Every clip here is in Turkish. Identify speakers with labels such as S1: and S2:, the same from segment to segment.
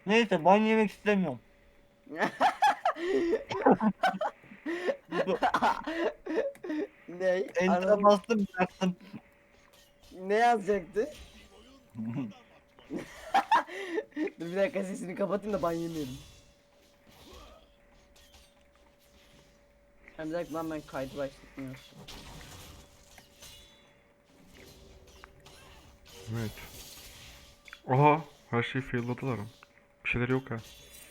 S1: Neyse ban yemek istemiyorum. Bu
S2: Ne?
S1: enter'a
S2: Anam
S1: bastım bıraktım.
S2: ne yazacaktı? Dur bir dakika sesini kapatayım da ban yemeyelim. Bir dakika lan ben kaydı başlatmıyorum.
S3: Evet. Aha, her şeyi failladılar ama. Bir şeyler yok ha.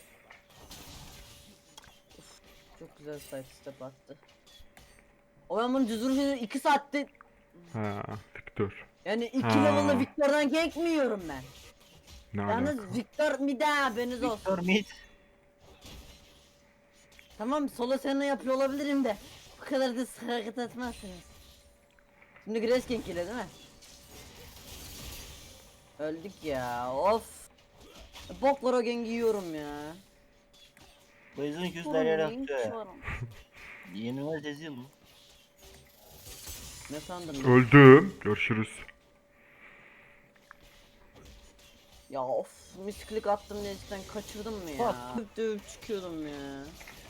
S2: Çok güzel side step attı. O ben bunu düz vuruşunu 2 saatte
S3: Ha, Victor.
S2: yani 2 level'la
S3: Ha,
S2: Victor'dan gank mi yiyorum ben?
S3: ne alaka?
S2: Yalnız Victor bir daha haberiniz
S1: Victor
S2: olsun.
S1: Mid.
S2: Tamam solo sena yapıyor olabilirim de bu kadar da sık hareket etmezsiniz. Şimdi Grace gank ile değil mi? Öldük ya of. Boklar o gank yiyorum ya.
S1: Bu yüzden küsler
S2: Oğlum
S1: yere
S2: neyin
S1: atıyor ya.
S2: var?
S1: Yenilmez ezil bu.
S2: Ne sandın lan?
S3: Öldüm. Görüşürüz.
S2: Ya of misklik attım diye cidden kaçırdım mı ya?
S1: Bak.
S2: Dövüp çıkıyordum ya.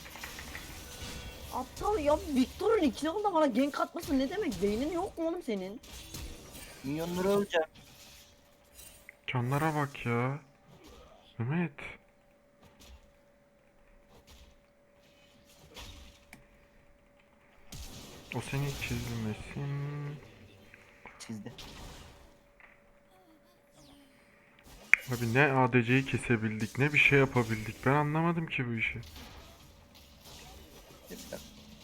S2: Aptal ya Victor'un 2 level'da bana gank atması ne demek? Beynin yok mu oğlum senin?
S1: Milyonları öleceğim.
S3: Canlara bak ya. Mehmet. O seni çizmesin.
S1: Çizdi.
S3: Abi ne ADC'yi kesebildik ne bir şey yapabildik. Ben anlamadım ki bu işi.
S1: Bir dakika.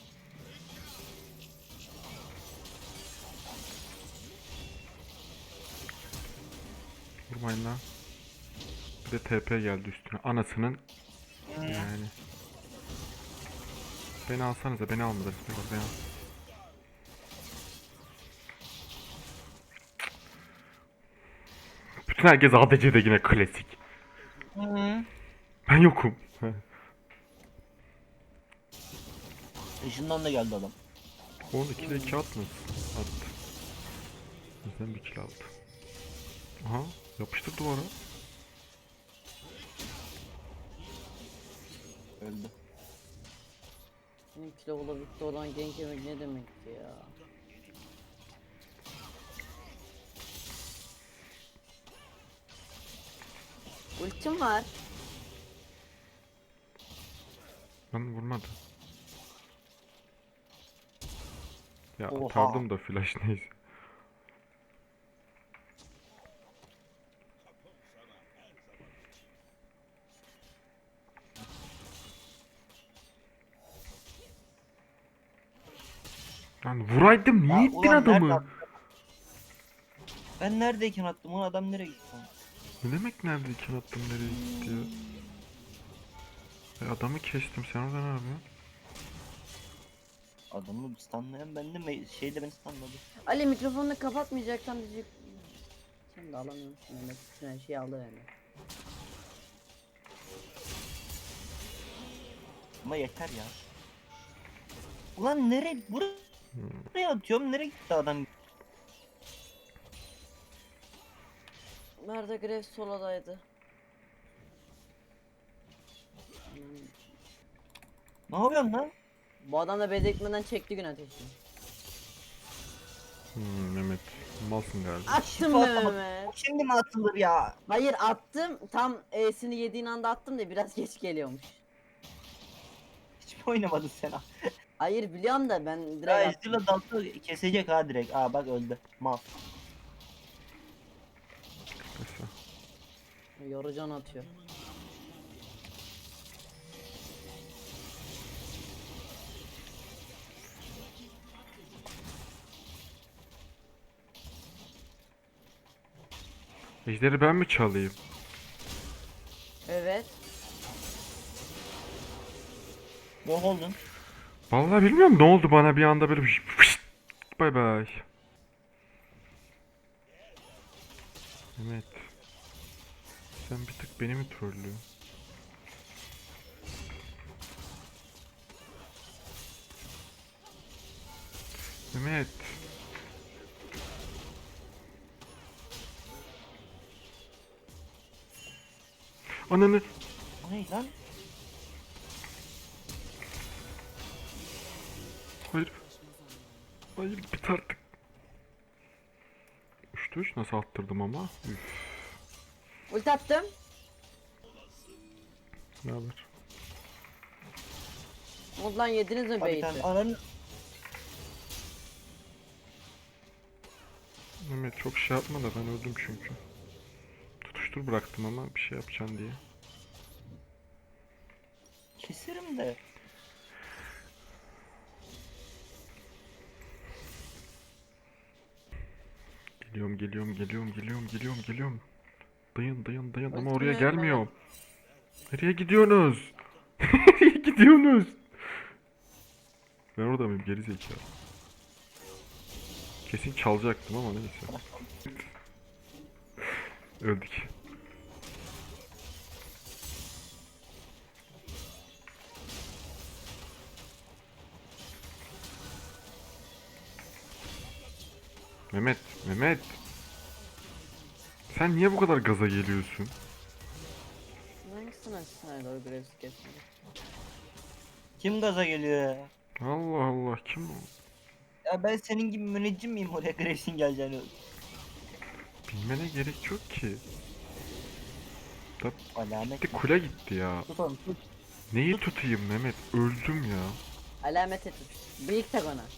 S3: Vurmayın lan. Bir de TP geldi üstüne. Anasının yani. Beni alsanıza, beni almadınız. Beni al. Bütün herkes ADC'de yine klasik.
S1: Hı.
S3: Ben yokum.
S1: Işından da geldi adam.
S3: 12'de 2 atmasın. Attı. Bizden bir kill aldı. Aha, yapıştır duvara.
S1: Öldü.
S2: 2 level'la Victor'dan gank yemek ne demekti ya? Ultim var.
S3: Ben vurmadı. Ya
S1: Oha.
S3: atardım da flash neyse. Lan vuraydım
S1: Ya
S3: niye ittin
S1: ulan nerede
S3: adamı?
S1: attım? Ben neredeyken attım? O adam nereye gitti?
S3: Ne demek neredeyken attım nereye gitti ya? Adamı kestim sen orada ne yapıyorsun?
S1: Adamı stunlayan bendim ve şey de beni stunladı.
S2: Ali mikrofonunu kapatmayacaksan bizi... Sen de alamıyorsun Mehmet. Bütün her şeyi aldı yani.
S1: Ama yeter ya. Ulan nereye? Buraya atıyorum. Nereye gitti adam?
S2: Nerede Graves soladaydı.
S1: Ne yapıyorsun lan?
S2: Bu adam da bezekmeden çekti gün ateşini.
S3: Mehmet malsın galiba.
S2: Attım
S1: Şifa atamadım.
S2: Mehmet.
S1: Şimdi mi atılır ya?
S2: Hayır attım. Tam E'sini yediğin anda attım da biraz geç geliyormuş.
S1: Hiç mi oynamadın sen ha?
S2: Hayır biliyorum da ben
S1: Ya
S2: direkt attım.
S1: Ezreal'a dalsa kesecek ha direkt. Aa bak öldü. Mal.
S3: Neyse.
S2: Yorucan atıyor.
S3: Ejderi ben mi çalayım?
S2: Evet.
S1: Bok oldun.
S3: Vallahi bilmiyorum ne oldu bana bir anda böyle fışt, bay bay. Mehmet. Sen bir tık beni mi trollüyorsun? Mehmet. Ananı.
S1: O ne lan?
S3: Hayır. Hayır bit artık. 3-3 nasıl attırdım ama. Üf.
S2: Ulti attım.
S3: Ne haber?
S2: Ondan yediniz mi
S1: Abi
S2: beyti?
S1: sen ananı...
S3: Mehmet çok şey yapma da ben öldüm çünkü. Tutuştur bıraktım ama bir şey yapacaksın diye.
S1: Keserim de.
S3: Geliyorum. Dayın ama
S2: Ultim
S3: oraya
S2: yok
S3: gelmiyor. Nereye gidiyorsunuz? Nereye gidiyorsunuz? Ben orada mıyım geri zekalı? Kesin çalacaktım ama neyse. Öldük. Mehmet. Sen niye bu kadar gaza geliyorsun?
S2: Hangisine sen o Graves kesmedi?
S1: Kim gaza geliyor ya?
S3: Allah Allah kim o?
S1: Ya ben senin gibi müneccim miyim oraya Graves'in geleceğini?
S3: Bilmene gerek yok ki.
S1: Alamet.
S3: Gitti kule gitti ya.
S1: Tut onu tut.
S3: Neyi tutayım Mehmet? Öldüm ya.
S2: Alamete tut. Büyük tek ona.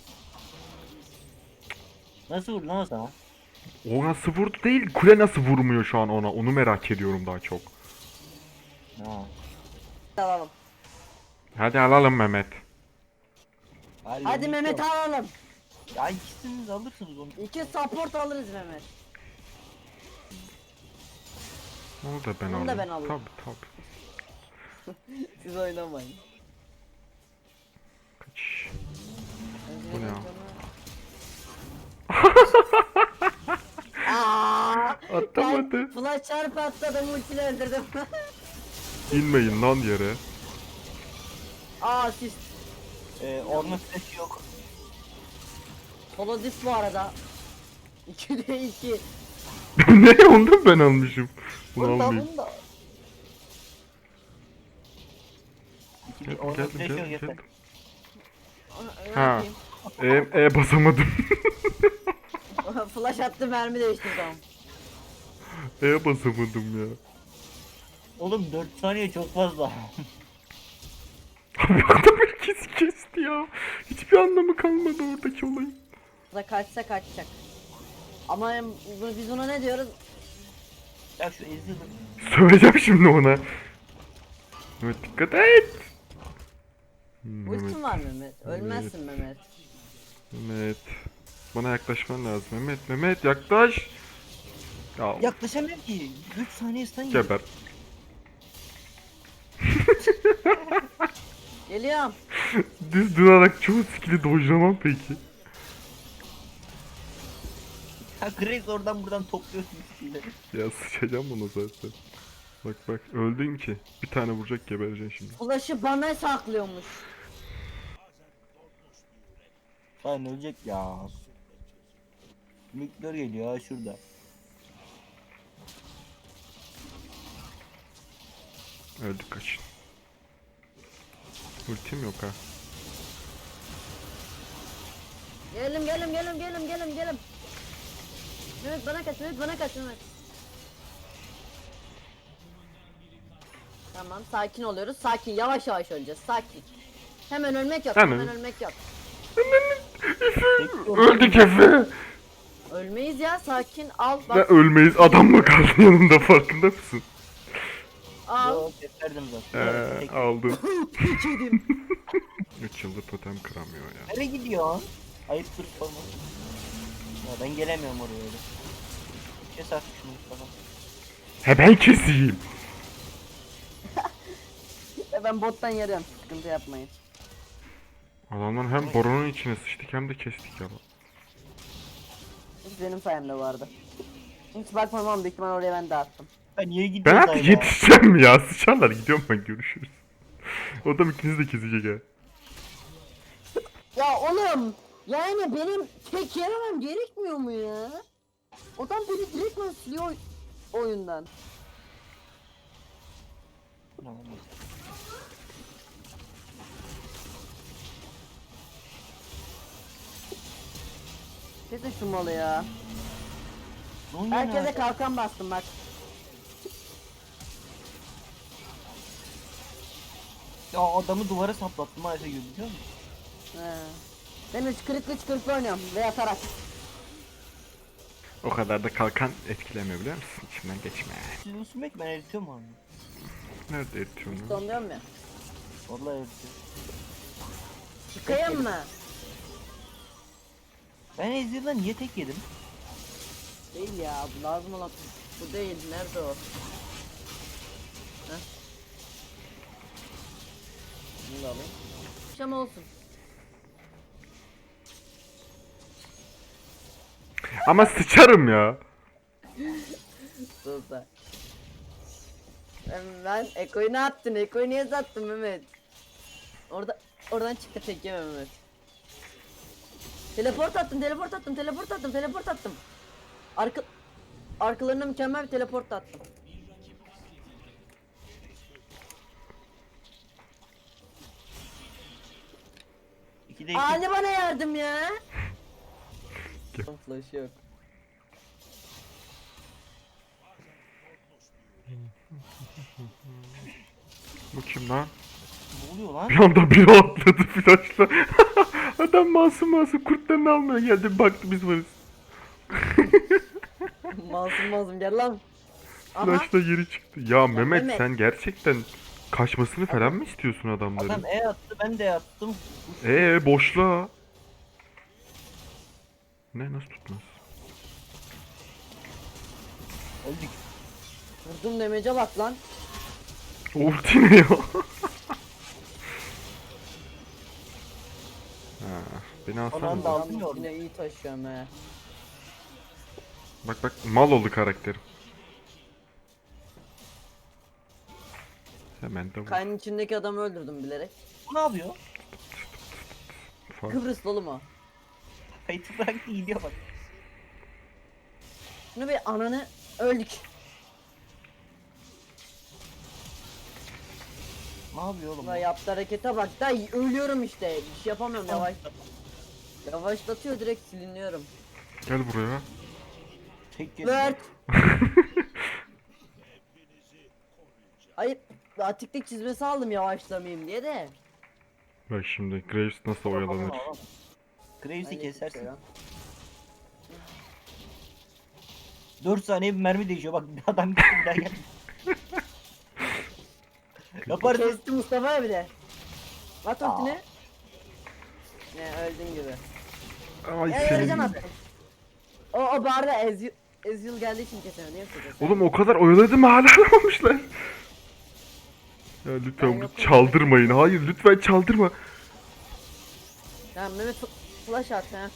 S1: Nasıl vurdu lan o sana?
S3: O nasıl vurdu değil, kule nasıl vurmuyor şu an ona? Onu merak ediyorum daha çok.
S1: Ha.
S2: Alalım.
S3: Hadi alalım Mehmet.
S2: Hadi Mehmet alalım.
S1: Ya ikisiniz alırsınız onu.
S2: 2 support alırız Mehmet.
S3: Onu da ben
S2: Onu
S3: alayım.
S2: da ben alayım.
S3: Tabii.
S2: Siz oynamayın.
S3: Kaç. Bu ne ya?
S2: Aaa!
S3: Atlamadı.
S2: Flash çarpı atladım ultiyle öldürdüm.
S3: İnmeyin lan yere.
S2: Asist.
S1: Onun sesi yok.
S2: Solo dis bu arada. 2'de 2.
S3: Ne ondan ben almışım. Bunu almayayım.
S1: Bunda. Onun sesi yok yeter.
S3: Geldim.
S2: Ne
S3: Ha.
S2: yapayım?
S3: Basamadım.
S2: Flash attı mermi değişti tamam.
S3: Basamadım ya.
S1: Oğlum 4 saniye çok fazla.
S3: Abi adam herkesi kesti ya. Hiçbir anlamı kalmadı oradaki olayın.
S2: Da kaçsa kaçacak. Ama biz ona ne diyoruz?
S1: Ya şu ezildi.
S3: Söyleyeceğim şimdi ona. Mehmet dikkat et.
S2: Ultim var Mehmet. Ölmezsin Mehmet.
S3: Mehmet. Bana yaklaşman lazım. Mehmet yaklaş. Ya
S1: Yaklaşamıyorum ki. 3 saniye stun yedim.
S3: geber.
S2: Geliyorum.
S3: Düz durarak çoğu skill'i dojlamam peki.
S1: Ya Graves oradan buradan topluyorsun skill'leri.
S3: Ya sıçacağım bunu zaten. Bak öldün ki. Bir tane vuracak gebereceksin şimdi.
S2: Flash'ı bana saklıyormuş.
S1: Lan ölecek ya. Mikler geliyor ha şurada.
S3: Öldük kaçın. Ultim yok ha.
S2: Gelim. Mehmet bana kaç Mehmet. Tamam sakin oluyoruz. Sakin yavaş öleceğiz. Sakin. Hemen ölmek yok.
S3: Hemen.
S2: Hemen ölmek yok.
S3: Öldük Efe.
S2: Ölmeyiz ya sakin. Al
S3: Ne
S2: bak.
S3: ölmeyiz, adam mı kaldı yanında, farkında mısın?
S2: Al.
S1: Yok keserdim zaten. Tek-
S3: Aldın. 3 yıldır totem kıramıyor ya.
S1: Nereye gidiyorsun? Ayıptır sorma. Ya ben gelemiyorum oraya öyle. Kes artık şunu Mustafa.
S3: He ben keseyim.
S2: Ben bottan yarıyorum. Sıkıntı yapmayın.
S3: Adamlar hem boronun içine sıçtık hem de kestik ya.
S2: Hiç benim sayemde bu arada. Hiç bakmam ama büyük ihtimal oraya ben dağıttım.
S1: Ben niye
S3: Ben
S1: gidiyorum
S3: artık yetişeceğim ya. Sıçarlar, gidiyorum ben, görüşürüz. O da ikinizi de kesecek ha.
S2: Ya oğlum yani benim tek yememem gerekmiyor mu ya? Adam beni direktman siliyor oyundan.
S1: Tamam.
S2: Kesin şu malı ya.
S1: Zonya
S2: Herkese
S1: nerede?
S2: kalkan bastım bak.
S1: Ya adamı duvara saplattım ha Efe biliyor musun?
S2: He. Ben 3 kırıklı oynuyorum ve atarak.
S3: O kadar da kalkan etkilemiyor biliyor musun? İçinden geçme.
S1: Siz Usumek ben eritiyorum abi.
S3: Nerede eritiyorsun?
S2: Son diyorum ya.
S1: Vallahi eritiyorum.
S2: Çıkayım mı?
S1: Ben Ezreal'dan niye tek yedim?
S2: Değil ya, bu lazım olan bu değil. Nerede o? Heh. Bunu da alayım. Akşam olsun.
S3: Ama sıçarım ya.
S2: Sus da. Ben Eko'yu ne yaptın? Eko'yu niye sattın Mehmet? Oradan çıktı tek yeme Mehmet. Teleport attım. Arkalarına mükemmel bir teleport attım.
S1: İkide iki.
S2: Ali bana yardım ya. Flash yok.
S3: Bu kim lan?
S1: Ne oluyor lan?
S3: Bir anda biri atladı flaşla. Adam masum kurtlarını almaya geldi. Baktı biz varız.
S2: Masum gel lan. Aha.
S3: Flaşla geri çıktı. Ya Mehmet
S2: Mehmet.
S3: sen gerçekten kaçmasını falan mı istiyorsun
S1: Adam
S3: adamların?
S1: E attı ben de attım.
S3: Boşla. Ne nasıl tutmaz?
S1: Öldük.
S2: Vurdum demece bak lan.
S3: Ulti ne ya? Ha, beni
S1: Onu
S3: alsana.
S1: da aldım ya
S2: Yalnız
S1: orada.
S2: yine iyi taşıyorum he.
S3: Bak mal oldu karakterim. Hemen de vur.
S2: Kaynın içindeki adamı öldürdüm bilerek.
S1: Bu ne yapıyor?
S3: Fark.
S2: Kıbrıslı oğlum o.
S1: Kayıtı bıraktı gidiyor bak.
S2: Şunu bir ananı öldük.
S1: Ne yapıyor oğlum?
S2: Ulan yaptığı harekete bak da ölüyorum işte. Bir şey yapamıyorum yavaş. Yavaşlatıyor direkt siliniyorum.
S3: Gel buraya.
S1: Tek kez.
S2: Word. Hayır. Atiklik çizmesi aldım yavaşlamayayım diye de.
S3: Bak şimdi Graves nasıl oyalanır.
S1: Graves'i
S2: Hayır,
S1: kesersin.
S2: şey ya.
S1: 4 saniye bir mermi değişiyor bak adam gitti bir daha geldi. Yaparsın.
S2: Kesti Mustafa bir de. At
S1: Aa.
S2: ultini. Ne öldün gibi.
S3: Ay
S2: Vereceğim
S3: senin.
S2: attım. O barda Ezreal geldiği için kesemedi. Niye kesemedi?
S3: Oğlum o kadar oyaladım hala alamamışlar. Ya lütfen
S2: Ben
S3: bunu
S2: yokum.
S3: çaldırmayın. Hayır lütfen çaldırma.
S2: Ya Mehmet flash at ha.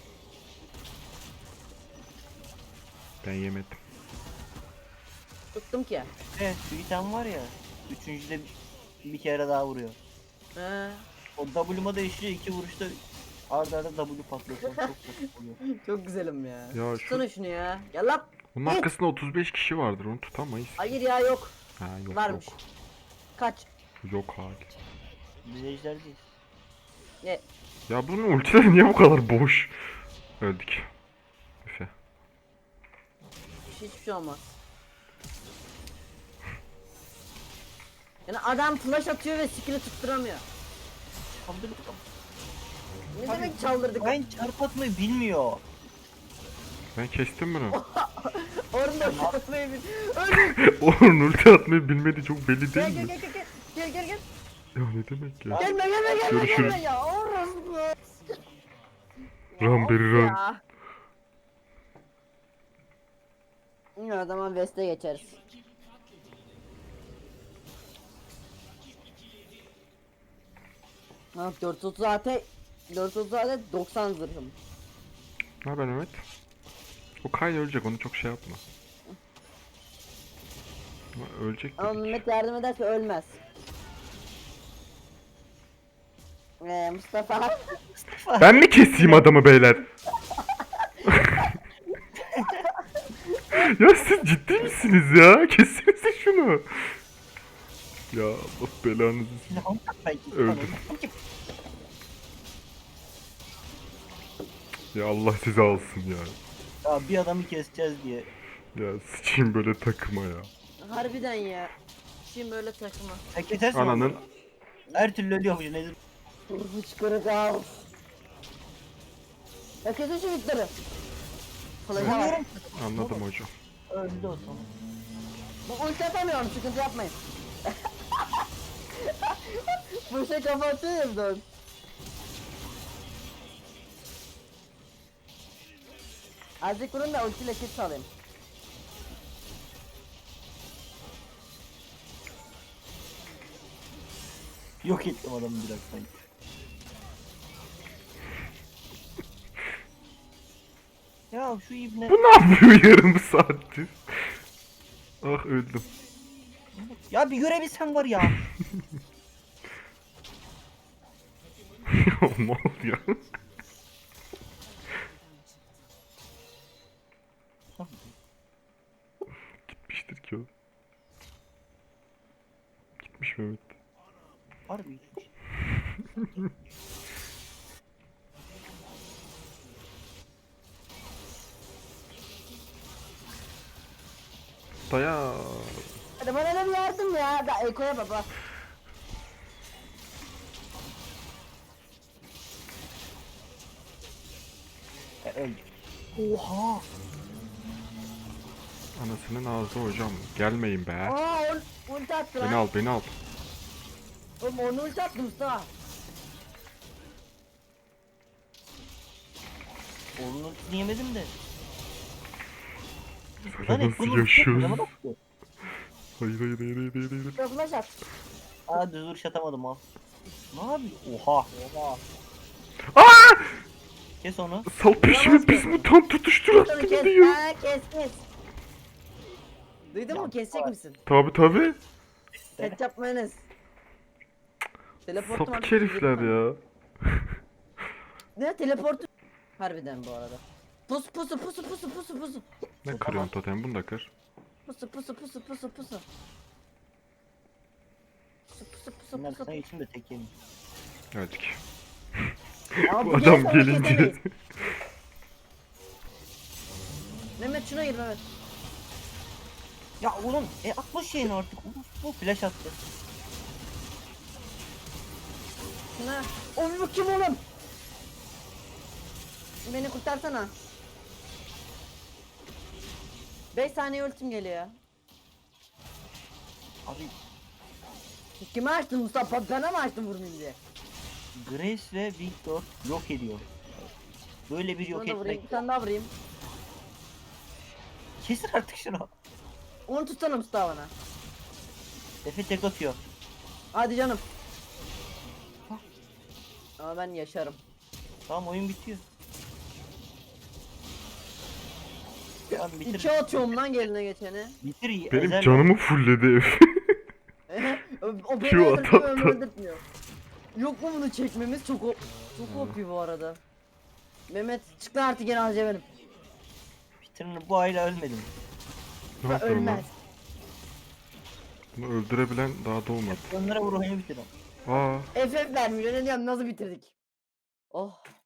S3: Ben yemedim.
S2: Tuttum ki.
S1: Evet şu item var ya. Üçüncüde bir kere daha vuruyor.
S2: He.
S1: O W'ma değişiyor 2 vuruşta arda arda W patlatıyor. Çok kötü oluyor.
S2: Çok güzelim ya.
S3: Ya şu
S2: Tutsana şunu ya. Gel lan.
S3: bunun
S2: Git.
S3: arkasında 35 kişi vardır. Onu tutamayız.
S2: Hayır ya yok.
S3: Ha yok
S2: Varmış.
S3: yok.
S2: Kaç.
S3: Yok hali.
S1: Biz ejderdeyiz.
S2: Ne?
S3: Ya bunun ultileri niye bu kadar boş? Öldük. Efe.
S2: Hiçbir şey olmaz. Yani adam flash atıyor ve skill'i tutturamıyor.
S1: Çaldırdık ama.
S2: Ne demek çaldırdık?
S1: Ben çarp atmayı bilmiyor.
S3: Ben kestim bunu.
S2: Orada çarpmayı bil. Öldüm.
S3: Onun ulti atmayı bilmediği çok belli
S2: Gel
S3: değil
S2: gel
S3: mi?
S2: gel gel. Gel gel gel.
S3: Ya ne demek ya?
S2: Gelme
S3: Görüşürüz.
S2: ya. Orası.
S3: Run beri run.
S2: Ya. Ya o zaman West'e geçeriz. Ha 430 AT 430 AT 90 zırhım.
S3: Ne haber Mehmet? O Kyle ölecek onu çok şey yapma. Ama ölecek
S2: Ama
S3: dedik.
S2: Mehmet yardım ederse ölmez. Mustafa.
S3: Ben mi keseyim adamı beyler? Ya siz ciddi misiniz ya? Kessinize şunu. Ya Allah belanızı.
S1: Silahımı tak belki.
S3: Öldüm. Ya Allah sizi alsın ya.
S1: Ya bir adamı keseceğiz diye.
S3: Ya sıçayım böyle takıma ya.
S2: Harbiden ya. Şimdi böyle takma.
S1: Sen kesersin
S3: Ananın
S1: onu. Her türlü ölüyormuş Nedir?
S2: Hıçkırık al. Ya kesin şu bitleri. Flash'a bak.
S1: Vuruyorum.
S3: anladım hocam.
S1: Öldü o sonra.
S2: Bu ulti yapamıyorum, sıkıntı yapmayın. Bu şey kapatıyorum da. Azıcık vurun da ultiyle kill salayım.
S1: Yok ettim adamı biraz sanki. Ya şu ibne.
S3: Bu ne yapıyor yarım saattir? Ah öldüm.
S1: Ya bir görebilsem var ya.
S3: Ne oldu ya? Gitmiştir ki o. Gitmiş Mehmet.
S1: Harbi gitmiş.
S3: Daya.
S2: Hadi bana da bir yardım ya. Da Eko'ya baba.
S1: Öldü. Oha.
S3: Anasının ağzı hocam. Gelmeyin be.
S2: Aa ulti attı
S3: Beni
S2: lan.
S3: al beni al.
S2: Oğlum onu ulti attı Mustafa.
S1: Onun ultisini yemedim de.
S3: Sen
S1: Lan
S3: nasıl
S1: bunu
S3: yaşıyorsun?
S1: adama baktı.
S3: Hayır hayır hayır hayır hayır. hayır.
S2: Şöyle flash at.
S1: Aa düz vuruş atamadım al. Ne yapıyor? Oha. Oha.
S3: Aa!
S1: Kes onu.
S3: Sal peşimi pis mutant tutuştur
S2: Onu
S3: attım
S2: kes.
S3: diyor.
S2: Ha kes. Duydun
S1: Ya,
S2: mu? Kesecek
S1: var.
S2: misin?
S3: Tabi tabi.
S2: Ketçap mayonez. Teleportum
S3: Sapık herifler ya.
S2: Ne teleportu? Harbiden bu arada. Pusu.
S3: Ne kırıyorsun totem bunu da kır.
S2: Pusu.
S1: Bunlar sana için de tek yemin.
S3: Öldük.
S2: Ama
S3: Bu
S2: bu
S3: adam
S2: gelirse onu
S3: gelince.
S2: kesemeyiz. Mehmet şuna gir Mehmet.
S1: Ya oğlum atma şeyini artık. Bu flash attı.
S2: Şuna. Oğlum bu kim oğlum? Beni kurtarsana. 5 saniye ultim geliyor.
S1: Abi
S2: Kime açtın Mustafa? Bana mı açtın vurmayayım diye?
S1: Grace ve Victor yok ediyor. Böyle bir yok
S2: Şunu da vurayım.
S1: etmek.
S2: Bir tane daha vurayım.
S1: Kesin artık şunu.
S2: Onu tutsana Mustafa bana.
S1: Efe tek atıyor.
S2: Hadi canım. Ama ben yaşarım.
S1: Tamam oyun bitiyor. Tamam bitir.
S2: 2 atıyorum lan geline geçeni.
S1: Bitir.
S3: Benim
S1: ezel
S3: canımı fullledi ev.
S2: O beni
S3: Şu
S2: öldürtmüyor,
S3: atak
S2: onu
S3: da.
S2: öldürtmüyor. Yok mu bunu çekmemiz? Çok OP bu arada. Mehmet çık lan artık gene alacağım benim.
S1: Peter'ın bu aile ölmedim.
S3: Ne yapıyorum lan?
S2: Ölmez.
S3: Bunu öldürebilen daha doğmadı.
S1: Onlara vur oyunu bitir.
S3: Aa.
S2: FF vermiyor ne diyorum nasıl bitirdik? Oh.